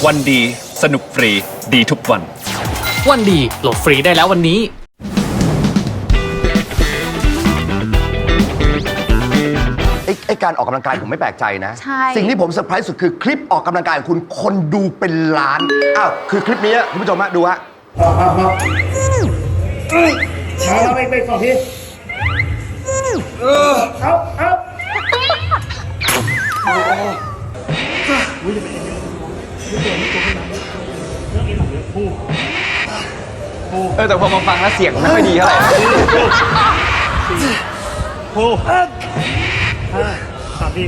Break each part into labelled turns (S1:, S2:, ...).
S1: วันดีสนุกฟรีดีทุกวัน
S2: วันดีโหลดฟรีได้แล้ววันนี้
S3: ไอ้การออกกำลังกายผมไม่แปลกใจนะ
S4: ใช่
S3: สิ่งที่ผมเซอร์ไพรส์สุดคือคลิปออกกำลังกายของคุณคนดูเป็นล้านอ้าวคือคลิปนี้คุณผู้ชมฮะดูฮะ
S5: เอาไปสองทีเอา
S6: แต่พอมาฟังแล้วเสียงไม่ค่อยดีเท่าไหร่
S5: สามที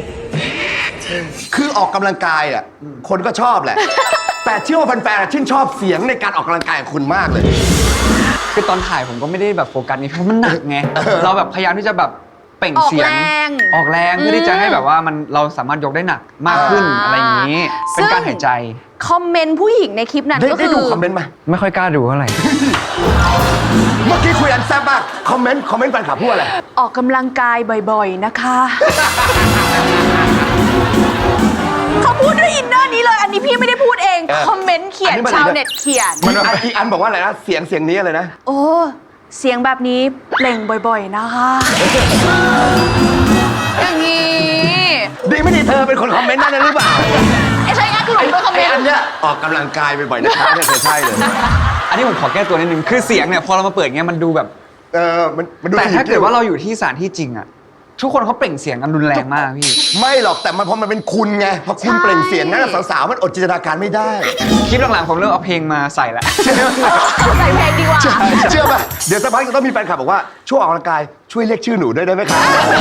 S3: คือออกกำลังกายอ่ะคนก็ชอบแหละ แต่เชื่อว่าแฟนๆชื่นชอบเสียงในการออกกำลังกายของคุณมากเลย
S6: คือตอนถ่ายผมก็ไม่ได้แบบโฟกัสนี้เพราะมันหนักไง เราแบบพยายามที่จะแบบเปล่งเสียงออกแรงเพื่อที่จะให้แบบว่าเราสามารถยกได้หนักมากขึ้นอะไรอย่างนี้ เป็นการหายใจ
S4: คอมเมนต์ผู้หญิงในคลิปนั้นก็คือ
S3: ได้ดูคอมเมนต์ไหม
S6: ไม่ค่อยกล้าดูเท่าไหร่
S3: เมื่อกี้คุยอันแซ่บมากคอมเมนต์แฟนคลับพูดอะไร
S4: ออกกำลังกายบ่อยๆนะคะ เขาพูดด้วยอินเนอร์นี้เลย อันนี้พี่ไม่ได้พูดเอง คอมเมนต์เขียนชาวเน็ตเขียน
S3: อีกอันบอกว่าอะไรนะเสียงนี้อะไรนะ
S4: โอ้เสียงแบบนี้เปล่งบ่อยๆนะคะ อย่างนี้
S3: ดีไม่ดีเธอเป็นคนคอมเมนต์นั่นหรือเปล่า
S4: ไอ้ใช่งั้นคือหนูเป็นคอมเมนต์
S3: อันเนี้ยออกกำลังกายบ่อยๆนะคะเนี่ยเธอใช่เลย
S6: อันนี้ผมขอแก้ตัวนิดนึงคือเสียงเนี่ยพอเรามาเปิดเงี้ยมันดูแบบ
S3: มันดู
S6: แต่ถ้าเกิดว่าเราอยู่ที่สถานที่จริงอะทุกคนเขาเปล่งเสียงกันรุนแรงมากพี่
S3: ไม่หรอกแต่พอมันเป็นคุณไงพอคุณเปล่งเสียงนั้นสาวๆมันอดจินตนาการไม่ได้
S6: คลิปหลังๆผมเริ่มเอาเพลงมาใส่แล้ว
S4: ใส่เพลงดีกว่า
S3: เชื่อป่ะเดี๋ยวสักพักจะต้องมีแฟนคลับบอกว่าช่วงออกกำลังกายช่วยเรียกชื่อหนูได้ไหมครับ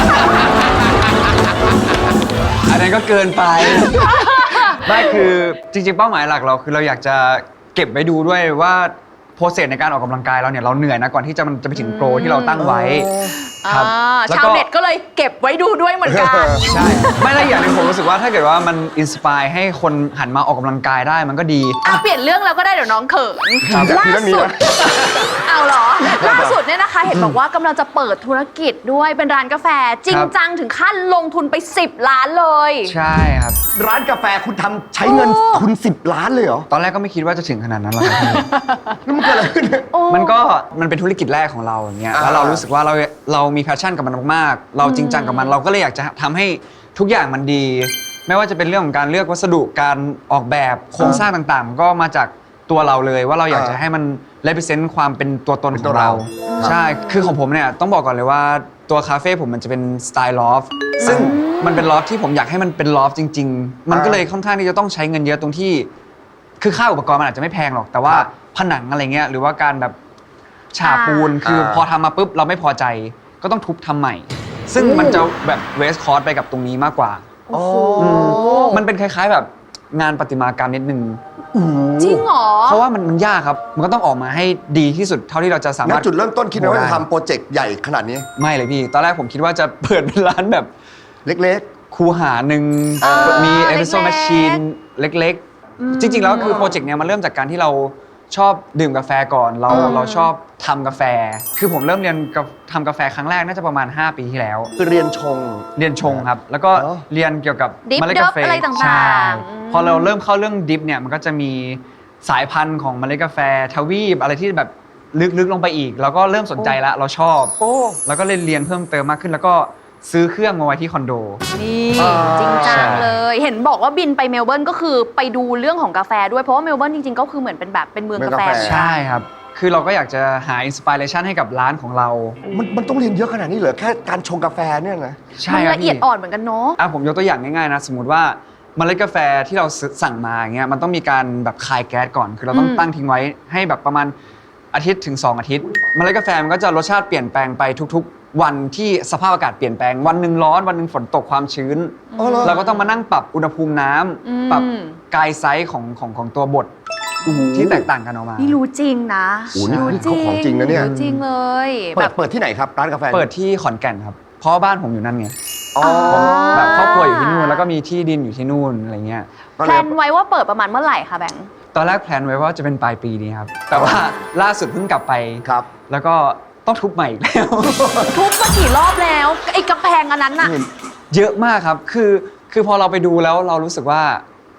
S6: อันนั้นก็เกินไป ไม่คือจริงๆเป้าหมายหลักเราคือเราอยากจะเก็บไว้ดูด้วยว่าโปรเซสในการออกกำลังกายเราเนี่ยเราเหนื่อยนะก่อนที่มันจะไปถึงโปรที่เราตั้งไว้ครับแล้ว
S4: ชาว
S6: ก็
S4: เน็ตก็เลยเก็บไว้ดูด้วยเหมือนกัน
S6: ใช่ไม่ละอย่างหนึงผมรู้สึกว่าถ้าเกิดว่ามันอินสปายให้คนหันมาออกกำลังกายได้มันก็ดี
S4: เปลี่ยนเรื่องแล้วก็ได้เดี๋ยวน้องเขิน
S3: ครับ
S4: ล่า
S3: เรื่องนี้
S4: สุด
S3: นะ
S4: เอาเหรอ ล่าสุดเนี่ยนะคะ เห็นบอกว่ากำลังจะเปิดธุรกิจด้วยเป็นร้านกาแฟจริงจังถึงขั้นลงทุนไป10 ล้านเลย
S6: ใช่ครับ
S3: ร้านกาแฟคุณทำใช้เงินทุน10 ล้านเลยเหรอ
S6: ตอนแรกก็ไม่คิดว่าจะถึงขนาดนั้นหรอกครับ
S3: แล้วมันเกิดอะไรขึ้นเนี่ย
S6: มันเป็นธุรกิจแรกของเราอย่างเงี้ยแล้วเรารู้สึกว่าเรามีแพชชั่นกับมันมากๆเราจริงจังกับมันเราก็เลยอยากจะทำให้ทุกอย่างมันดี ไม่ว่าจะเป็นเรื่องของการเลือกวัสดุการออกแบบโครงสร้างต่างๆ ก็มาจากตัวเราเลยว่าเราอยากจะให้มัน represent ความเป็นตัวตนของเราใช่คือของผมเนี่ยต้องบอกก่อนเลยว่าตัวคาเฟ่ผมมันจะเป็นสไตล์ลอฟซึ่งมันเป็นลอฟที่ผมอยากให้มันเป็นลอฟจริงๆมันก็เลยค่อนข้างที่จะต้องใช้เงินเยอะตรงที่คือค่าอุปกรณ์มันอาจจะไม่แพงหรอกแต่ว่าผนังอะไรเงี้ยหรือว่าการแบบฉาบปูนคือพอทำมาปุ๊บเราไม่พอใจก็ต้องทุบทำใหม่ซึ่งมันจะแบบเวสคอร์สไปกับตรงนี้มากกว่ามันเป็นคล้ายๆแบบงานประติมากรรมนิดนึง
S4: จริงเหรอ
S6: เพราะว่ามันยากครับมันก็ต้องออกมาให้ดีที่สุดเท่าที่เราจะสา
S3: งั้
S6: มารถ
S3: นจุดเริ่มต้นคิดไหมว่าจะทำโปรเจกต์ใหญ่ขนาดนี้
S6: ไม่เลยพี่ตอนแรกผมคิดว่าจะเปิดเป็นร้านแบบ
S3: เล็ก
S6: คูหาหนึ่งมีเอสเปรสโซ่แมชชีนเล็กๆจริงๆแล้วคือโปรเจกต์เนี้ยมันเริ่มจากการที่เราชอบดื่มกาแฟก่อนเราชอบทำกาแฟคือผมเริ่มเรียนทำกาแฟครั้งแรกน่าจะประมาณ5 ปีที่แล้ว
S3: ๆคือเรียนชง
S6: เรียนชงครับ แล้วก็
S3: อ๋อ
S6: เรียนเกี่ยวกับ
S4: ดิฟ
S6: เมล็ดกาแฟ
S4: อะไรต่างๆ
S6: ใช่
S4: อืม
S6: พอเราเริ่มเข้าเรื่องดิฟเนี่ยมันก็จะมีสายพันธุ์ของเมล็ดกาแฟทวีปอะไรที่แบบลึกๆลงไปอีกเราก็เริ่มสนใจแล้วเราชอบแล้วก็เลยเรียนเพิ่มเติมมากขึ้นแล้วก็ซื้อเครื่องมาไว้ที่คอนโด
S4: นี่จริงจังเลย เห็นบอกว่าบินไปเมลเบิร์นก็คือไปดูเรื่องของกาแฟด้วยเพราะว่าเมลเบิร์นจริงๆก็คือเหมือนเป็นแบบเป็นเมืองกาแฟ
S3: เมืองกาแฟ
S6: ใช่ครับคือเราก็อยากจะหาอินสปิเรชันให้กับร้านของเรา
S3: มันต้องเรียนเยอะขนาดนี้เหรอแค่การชงกาแฟเนี่ยนะ
S6: ใช่
S4: มัน
S6: ครับ
S4: ละเอียดอ่อนเหมือนกันเนาะ
S6: ผมยกตัวอย่างง่ายๆนะสมมติว่าเมล็ดกาแฟที่เราสั่งมาอย่างเงี้ยมันต้องมีการแบบคายแก๊สก่อนคือเราต้องตั้งทิ้งไว้ให้แบบประมาณอาทิตย์ถึง2 อาทิตย์เมล็ดกาแฟมันก็จะรสชาติเปลี่ยนแปลงไปทุกๆวันที่สภาพอากาศเปลี่ยนแปลงวันหนึ่งร้อนวันหนึ่งฝนตกความชื้น
S3: อ๋อเหรอ
S6: เราก็ต้องมานั่งปรับอุณหภูมิน้ำปรับกายไซส์ของตัวบดที่แตกต่างกันออกมา
S4: นี่รู้จริงนะ
S3: โอ้โหนี่
S4: รู้จริ
S3: ของจริงนะเนี่ย
S4: รู้จริงเลย
S3: เปิดที่ไหนครับร้านกาแฟ
S6: เปิดที่ขอนแก่นครับเพราะว่าบ้านผมอยู่นั่นไง
S3: อ๋อ
S6: ผมแบบครอบครัวอยู่ที่นู่นแล้วก็มีที่ดินอยู่ที่นู่นอะไรเงี้ย
S3: ก็
S4: แพ
S3: เล
S4: ล
S3: ย
S4: นไว้ว่าเปิดประมาณเมื่อไหร่คะแบงค์
S6: ตอนแรกแพลนไว้ว่าจะเป็นปลายปีนี้ครับ แต่ว่าล่าสุดเพิ่งกลับไป
S3: ครับ
S6: แล้วก็ต้องทุบใหม่อีกแล้ว
S4: ทุบมากี่รอบแล้วไอ้กำแพงอันนั้นน่ะ
S6: เยอะมากครับ คือพอเราไปดูแล้วเรารู้สึกว่า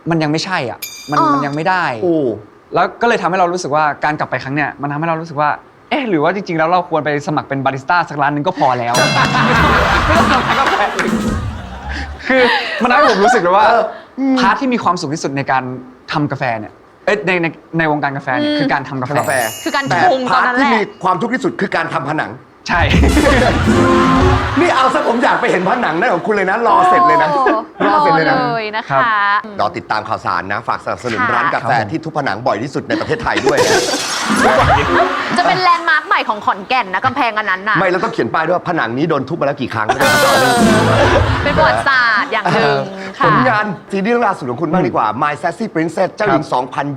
S6: มันยังไม่ใช่อ่ะมัน
S4: อ๋อ
S6: มันยังไม่ได้
S3: โอ้
S6: แล้วก็เลยทำให้เรารู้สึกว่าการกลับไปครั้งเนี้ยมันทำให้เรารู้สึกว่าเอ๊ะหรือว่าจริงๆแล้วเราควรไปสมัครเป็นบาริสต้าสักร้านหนึงก็พอแล้ว ไม่ต้องทำร้านกาแฟอื่นคือมันทำให้ผมรู้สึกเลยว่าพาร์ทที่มีความสุขที่สุดในการทำกาแฟเนี่ยในวงการกาแฟเนี่ยคือการทำกาแฟ
S3: กาแฟ
S4: คือการ
S3: แต่
S4: ชงตอนนั้นแหละ
S3: พาร์ทที่มีความทุกข์ที่สุดคือการทำผนัง
S6: ใช่
S3: นี่เอาซะผมอยากไปเห็นผนังนั่นของคุณเลยนะ รอเสร็จเลยนะ
S4: รอ
S3: เสร็จเลยนะ
S4: เลยนะ
S6: ครั
S4: คะ
S6: บ
S3: รอติดตามข่าวสารนะ ฝากสนับสนุน
S4: ค่ะ
S3: ร้านกาแฟ
S6: ครับผม
S3: ที่ทุบผนังบ่อยที่สุดในประเทศไทยด้วยนะ
S4: จะเป็นแลนด์มาร์คใหม่ของขอนแก่นนะกำแพงอันนั้นน่ะ
S3: ไม่แล้วต้องเขียนป้ายด้วยว่าผนังนี้โดนทุบมาแล้วกี่ครั้ง
S4: เป็นประวัติศาสตร์อย่างหนึ่ง
S3: ผ
S4: ค่ะ
S3: ลงานซีรีส์เรื่องล่าสุดของคุณบ้างดีกว่า My Sassy Princess เจ้าหญิง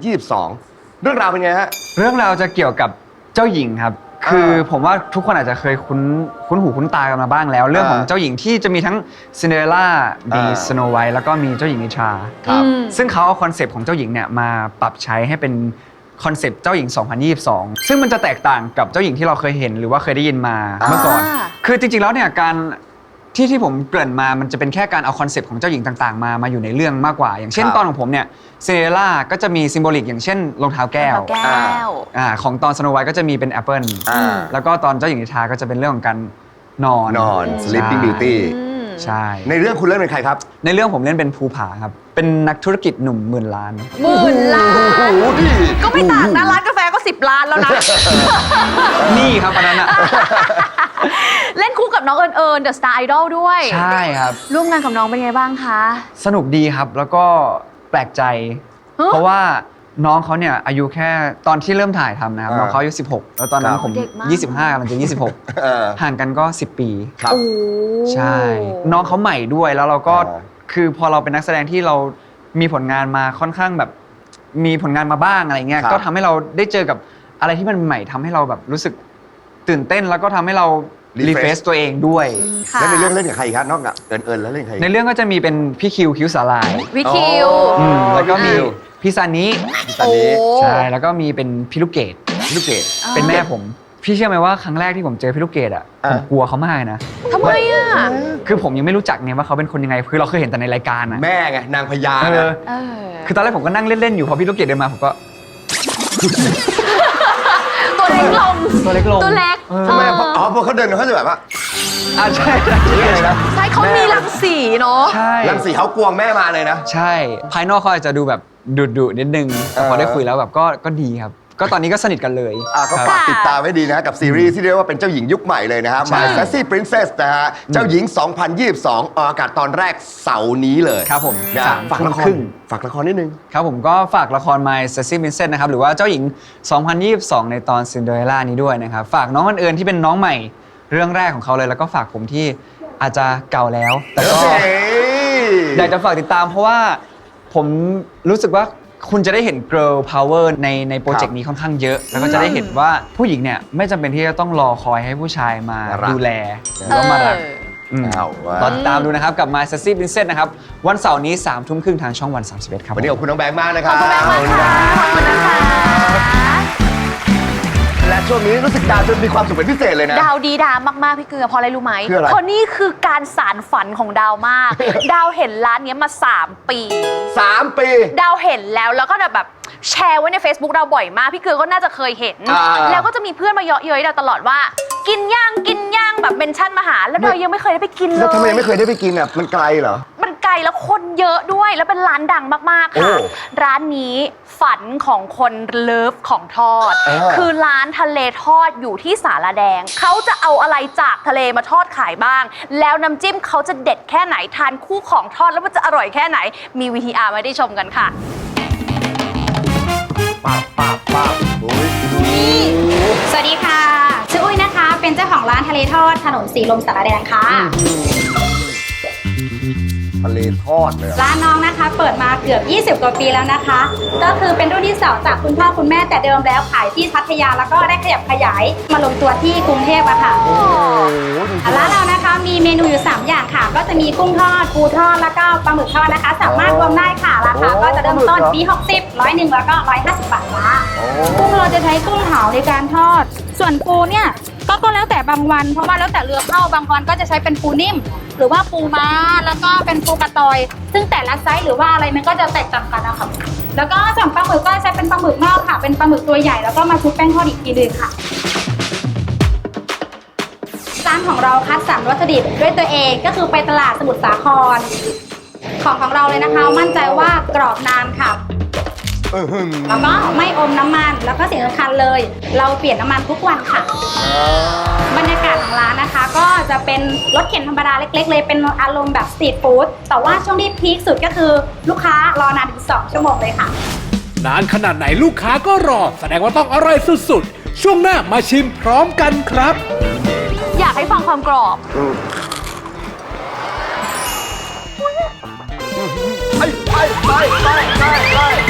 S3: 2022 เรื่องราวเป็นไงฮะ
S6: เรื่องราวจะเกี่ยวกับเจ้าหญิงครับ คือผมว่าทุกคนอาจจะเคยคุ้นหูคุ้นตากันมาบ้างแล้ว เรื่องของเจ้าหญิงที่จะมีทั้งซินเดอเรลล่ามีสโนไวท์แล้วก็มีเจ้าหญิงนิทรา
S3: ครับ
S6: ซึ่งเขาเอาคอนเซปต์ของเจ้าหญิงเนี่ยมาปรับใช้ให้เป็นคอนเซปต์เจ้าหญิง 2022 ซึ่งมันจะแตกต่างกับเจ้าหญิงที่เราเคยเห็นหรือว่าเคยได้ยินมาเมื่อก่อน คือจริงๆแล้วเนี่ยการที่ผมเกริ่นมามันจะเป็นแค่การเอาคอนเซปต์ของเจ้าหญิงต่างๆมาอยู่ในเรื่องมากกว่า อย่างเช่น
S3: ครับ
S6: ตอนของผมเนี่ยซินเดอเรลล่าก็จะมีซิมโบลิกอย่างเช่นรองเท้าแก้ว
S4: แก้ว
S6: ของตอนสโนไวท์ก็จะมีเป็นแอปเปิล
S3: อ่า
S6: แล้วก็ตอนเจ้าหญิงนิทราก็จะเป็นเรื่องของการนอน
S3: นอน Sleeping Beauty
S6: ใช่
S3: ในเรื่องคุณเล่นเป็นใครครับ
S6: ในเรื่องผมเล่นเป็นภูผาครับ เป็นนักธุรกิจหนุ่มหมื่นล้าน
S4: 10,000,000,000
S3: โอ้โหดิ
S4: ก็ไม่ต่างนะร้านกาแฟก็10 ล้านแล้วนะ
S6: นี่ครับอันนั้นอะ
S4: เล่นคู่กับน้องเอิญเดอะสตาร์ไอดอลด้วย
S6: ใช่ครับ
S4: ร่วมงานกับน้องเป็นไงบ้างคะ
S6: สนุกดีครับ แล้วก็แปลกใจ
S4: ฮะ
S6: เพราะว่าน้องเขาเนี่ยอายุแค่ตอนที่เริ่มถ่ายทำนะครับ
S3: อ่า
S6: น้องเขาอายุ 16 แล้วตอนนั้น
S3: ครับ
S6: ผม
S4: เด็กมาก
S6: 25กำลังจะ
S3: เออ
S6: 26 ห่างกันก็ 10 ปี
S3: ครับ
S4: โอ้
S6: ใช่ น้องเขาใหม่ด้วยแล้วเราก็
S3: อ่า
S6: คือพอเราเป็นนักแสดงที่เรามีผลงานมาค่อนข้างแบบมีผลงานมาบ้างอะไรเงี้ย
S3: ครับ
S6: ก็ทำให้เราได้เจอกับอะไรที่มันใหม่ทำให้เราแบบรู้สึกตื่นเต้นแล้วก็ทำให้เรา รีเฟรชตัวเองด้วย
S4: ค่ะ
S3: แล้วในเรื่องเล่นกับใครอีกครับนอกจากเอิญแล้วเล่นกับใครอีก
S6: ในเรื่องก็จะมีเป็นพี่คิวสาลาย
S4: วิคิว
S3: อ๋อ
S6: แล้วก็มี
S3: พี่คิว
S6: พี่ซานิ
S3: ตอนนี้
S4: โอ้
S6: ใช่แล้วก็มีเป็นพี่ลูกเกด
S3: ลูกเกด
S6: เป็นแม่ผม พี่เชื่อไหมว่าครั้งแรกที่ผมเจอพี่ลูกเกดอ่ะ
S3: อ่า
S6: ผมกลัวเขามากนะ
S4: ทำไมอ่ะ
S6: คือผมยังไม่รู้จักไงว่าเขาเป็นคนยังไงคือเราเคยเห็นแต่ในรายการอ่ะ
S3: แม่ไงนางพญา
S6: เอ
S3: นะ
S6: อ
S4: เออ
S6: คือตอนแรกผมก็นั่งเล่นๆอยู่พอพี่ลูกเกดเดินมาผมก็
S4: ตัวเล็กลง
S6: ตัวเล็กลง
S4: ตัวเล็ก
S3: ทำไมเพราะอ๋อเพราะเขาเดินเขาจะแบบว่า
S6: ใช่ใช่
S3: อะไรนะ
S4: ใช่เขามีรังสีเนาะ
S6: ใช่
S3: รังสีเขากวงแม่มาเลยนะ
S6: ใช่ภายนอกเขาอาจจะดูแบบดุนิดนึงแต่พอได้คุยแล้วแบบก็ดีครับ ก็ตอนนี้ก็สนิทกันเลย
S3: ก็
S6: ครับ
S3: ฝากติดตามไว้ดีนะกับซีรีส์ที่เรียกว่าเป็นเจ้าหญิงยุคใหม่เลยนะครับ
S6: ใช่
S3: My Sassy Princess นะฮะเจ้าหญิง 2022 ออกอากาศตอนแรกเสาร์นี้เลย
S6: ครับผม
S3: นะ
S6: 3
S3: ฝากละค
S6: ค
S3: ร
S6: รึ่ง
S3: ฝากละครนิดนึง
S6: ครับผมก็ฝากละคร My Sassy Princess นะครับหรือว่าเจ้าหญิง 2022 ในตอน Cinderella นี้ด้วยนะครับฝากน้องเอิญที่เป็นน้องใหม่เรื่องแรกของเขาเลย แล้วก็ฝากผมที่อาจจะเก่าแล้ว แต่ก็อยากจะฝากติดตามเพราะว่าผมรู้สึกว่าคุณจะได้เห็น girl power ในโปรเจกต์นี้ค่อนข้างเยอะ แล้วก็จะได้เห็นว่าผู้หญิงเนี่ยไม่จำเป็นที่จะต้องรอคอยให้ผู้ชายมา
S3: รัก
S6: ดูแลหรือว่ามารัก ม
S3: เอาว่ะ
S6: รอติดตามดูนะครับกับ My Sassy Princess นะครับวันเสาร์นี้ 3:30 นทางช่องวัน 31 ครับ
S3: วันนี้ขอบคุณน้องแบงค์มากนะค
S4: ข
S3: รั
S4: อ
S3: บบ
S4: คุณแม่มากค่ะขอบคุณนะคะ
S3: และช่วงนี้รู้สึกดาวจนมีความสุขเป็นพิเศษเลยนะ
S4: ดาวดีดามากๆพี่เกลือเพราะอะไรรู้ไหม
S3: คืออะไร
S4: เพราะนี่คือการสารฝันของดาวมาก ดาวเห็นร้านเนี้ยมา 3 ปี
S3: 3 ปี
S4: ดาวเห็นแล้วก็แบบแชร์ไว้ใน Facebook เราบ่อยมาก พี่เกลือก็น่าจะเคยเห็น แล้วก็จะมีเพื่อนมาเยาะเย้ยเราตลอดว่า กินย่างแบบเมนชั่นมาหา แล้วเรายังไม่เคยได้ไปกินเล
S3: แล้วทำไม
S4: ย
S3: ยังไม่เคยได้ไปกินอ่ะมันไกลเหรอ
S4: มันไกลแล้วคนเยอะด้วยแล้วเป็นร้านดังมากๆค่ะ
S3: โอ้
S4: ร้านนี้ฝันของคนเลิฟของทอด คือร้านทะเลทอดอยู่ที่สาลาแดง เขาจะเอาอะไรจากทะเลมาทอดขายบ้าง แล้วน้ำจิ้มเขาจะเด็ดแค่ไหนทานคู่ของทอดแล้วมันจะอร่อยแค่ไหน มี VTR มาได้ชมกันค่ะ
S3: ป้าบโอ้ย
S7: สวัสดีค่ะ ชื่ออุ้ยนะคะ เป็นเจ้าของร้านทะเลทอดถนนสีลมสารแดงค่ะ
S3: ทะเลทอดเลยอะ
S7: ร้านน้องนะคะ เปิดมาเกือบ 20 กว่าปีแล้วนะคะ ก็คือเป็นรุ่นที่สองจากคุณพ่อคุณแม่แต่เดิมแล้วขายที่พัทยาแล้วก็ได้ขยับขยายมาลงตัวที่กรุงเทพอะค่ะร้านเรานะคะมีเมนูอยู่ 3 อย่างค่ะ ก็จะมีกุ้งทอดปูทอดแล้วก็ปลาหมึกทอดนะคะ สามารถรวมได้ค่ะราคาก็จะเริ่มต้นที่60 101แล้วก็150 บาทค่ะกุ้งเราจะใช้กุ้งเผาในการทอด ส่วนปูเนี่ยก็แล้วแต่บางวัน เพราะว่าแล้วแต่เรือเข้าบางวันก็จะใช้เป็นปูนิ่มหรือว่าปูม้าแล้วก็เป็นปูกระตอย ซึ่งแต่ละไซส์หรือว่าอะไรมันก็จะแตกต่างกันนะคะแล้วก็ส่วนปลาหมึกก็ใช้เป็นปลาหมึกนอกค่ะเป็นปลาหมึกตัวใหญ่แล้วก็มาชุบแป้งทอดอีกทีนึงค่ะร้านของเราคัดสรรวัตถุดิบด้วยตัวเองก็คือไปตลาดสมุทรสาครของเราเลยนะคะมั่นใจว่ากรอบนานค่ะแล้วก็ไม่อมน้ำมันแล้วก็สิ่งสำคัญเลย เราเปลี่ยนน้ำมันทุกวันค่ะบรรยากาศของร้านนะคะก็จะเป็นรถเข็นธรรมดาเล็กๆเลยเป็นอารมณ์แบบสตรีทฟู้ดแต่ว่าช่วงที่พีคสุดก็คือลูกค้ารอนานถึง2 ชั่วโมงเลยค่ะ
S8: นานขนาดไหนลูกค้าก็รอ แสดงว่าต้องอร่อยสุดๆ ช่วงหน้ามาชิมพร้อมกันครับ
S4: อยากให้ฟังความกรอบ
S3: ไป